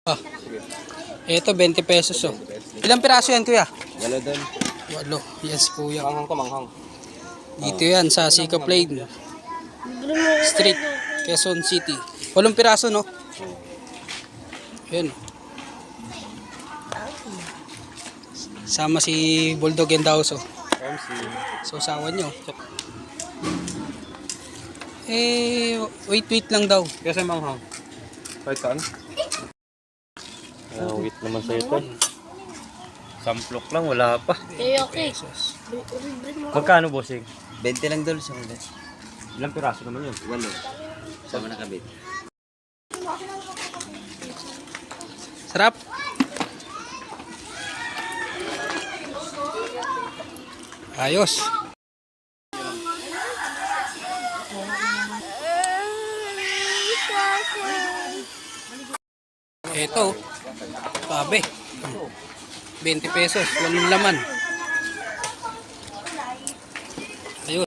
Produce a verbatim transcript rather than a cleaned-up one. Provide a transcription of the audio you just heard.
Ah, ito twenty pesos oh. Ilang piraso yan kuya? Wala doon. Walo. Yan si kuya. Manghang ka, manghang. Dito yan sa Sika Plain Street, Quezon City. Walong piraso no? Yan. Sama si Bulldog and Dauso. So sawa nyo. Eh, wait wait lang daw. Kasi manghang. Kahit saan? Ah, wait naman sa ito. Samplok lang, wala pa. Eh, okay. Pesos. Magkano, bossing? twenty lang doon sa mga. Ilang piraso naman yun? Walo. Sama na kabit. Sarap. Ayos. Ito, sabi. twenty pesos, walang laman.